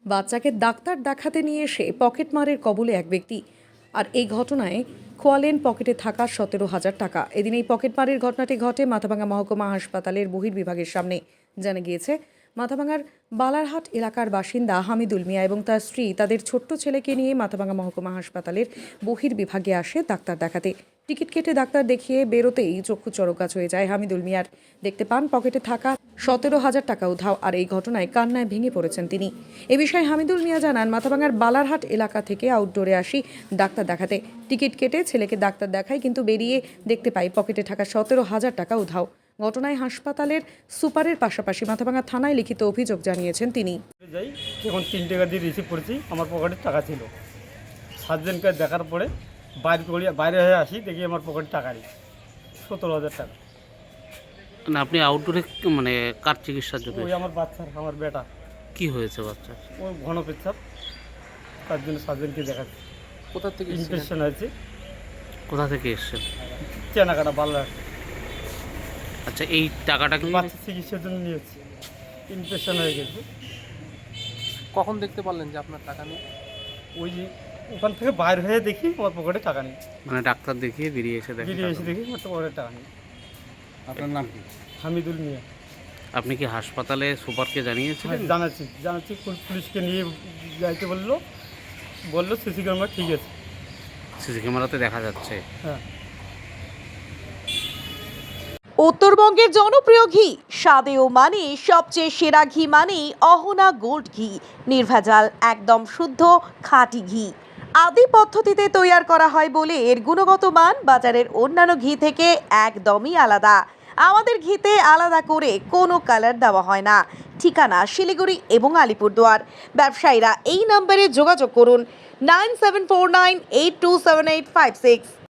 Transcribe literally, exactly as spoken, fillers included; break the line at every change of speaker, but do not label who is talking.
বাচ্চাকে ডাক্তার দেখাতে নিয়ে এসে পকেটমারের কবলে এক ব্যক্তি। আর এই ঘটনায় খোয়ালেন পকেটে থাকা সতেরো হাজার টাকা। এদিন এই পকেটমারের ঘটনাটি ঘটে মাথাভাঙা মহকুমা হাসপাতালের বহির্বিভাগের সামনে। জানা গিয়েছে, মাথাভাঙার বালারহাট এলাকার বাসিন্দা হামিদুল মিয়া এবং তার স্ত্রী তাদের ছোট্ট ছেলেকে নিয়ে মাথাভাঙা মহকুমা হাসপাতালের বহির্বিভাগে আসে ডাক্তার দেখাতে। টিকিট কেটে ডাক্তার দেখিয়ে বেরোতেই চক্ষু চড়কগাছ হয়ে যায় হামিদুল মিয়ার। দেখতে পান পকেটে থাকা সতেরো হাজার টাকা উধাও। আর এই ঘটনায় কান্নায় ভেঙে পড়েছেন তিনি। এ বিষয়ে হামিদুল মিয়া জানান, মাথাভাঙার বালারহাট এলাকা থেকে আউটডোরে আসি ডাক্তার দেখাতে। টিকিট কেটে ছেলেকে ডাক্তার দেখাই, কিন্তু বেরিয়ে দেখতে পাই পকেটে থাকা সতেরো হাজার টাকা উধাও। ঘটনায় হাসপাতালের সুপারের পাশাপাশি মাথাভাঙা থানায় লিখিত অভিযোগ জানিয়েছেন তিনি।
যাই যখন তিন টাকা দিয়ে রিসিভ করেছি, আমার পকেটে টাকা ছিল। সাতজনকে দেখার পরে বাইরে করে বাইরে হয়ে আসি, দেখি আমার পকেটে টাকা নেই, সতেরো হাজার টাকা।
না, আপনি আউটডোরে মানে কার চিকিৎসার জন্য?
ওই আমার বাচ্চার, আমার বেটা।
কি হয়েছে বাচ্চা?
ওই ঘন পেচ্ছাপ, তার জন্য সাতজনকে দেখাচ্ছি।
কোথা থেকে
ইনফেকশন হয়েছে।
কোথা থেকে এসছেন?
চেনাকাটা বাল্লা।
আচ্ছা, এই টাকাটা কি
বাচ্চা চিকিৎসার জন্য নিয়েছি, ইনফেকশন হয়ে গেছে।
কখন দেখতে পারলেন যে আপনার টাকা নেই?
ওই যে ওখান থেকে বাইরে হয়ে দেখি আমার পকেটে টাকা নেই।
মানে ডাক্তার দেখিয়ে বেরিয়ে এসে দেখেন?
বেরিয়ে এসে দেখি আমার পকেটে টাকা নেই।
আপনার নাম কি?
হামিদুল মিয়া।
আপনি কি হাসপাতালে সুপারকে জানিয়েছিলেন?
হ্যাঁ, জানাচ্ছি জানাচ্ছি পুল- পুলিশকে নিয়ে যাইতে বললো বললো সিসি ক্যামেরা ঠিক আছে।
সিসি ক্যামেরাতে দেখা যাচ্ছে।
হ্যাঁ।
উত্তরবঙ্গের জনপ্রিয় ঘি, স্বাদে ও মানে সবচেয়ে সেরা ঘি মানেই অহনা গোল্ড ঘি। নির্ভেজাল, একদম শুদ্ধ খাঁটি ঘি। আদি পদ্ধতিতে তৈরি করা হয় বলে এর গুণগত মান বাজারের অন্যান্য ঘি থেকে একদমই আলাদা। আমাদের ঘিতে আলাদা করে কোনো কালার দেওয়া হয় না। ঠিকানা শিলিগুড়ি এবং আলিপুরদুয়ার। ব্যবসায়ীরা এই নম্বরে যোগাযোগ করুন nine seven four nine eight two seven eight five six.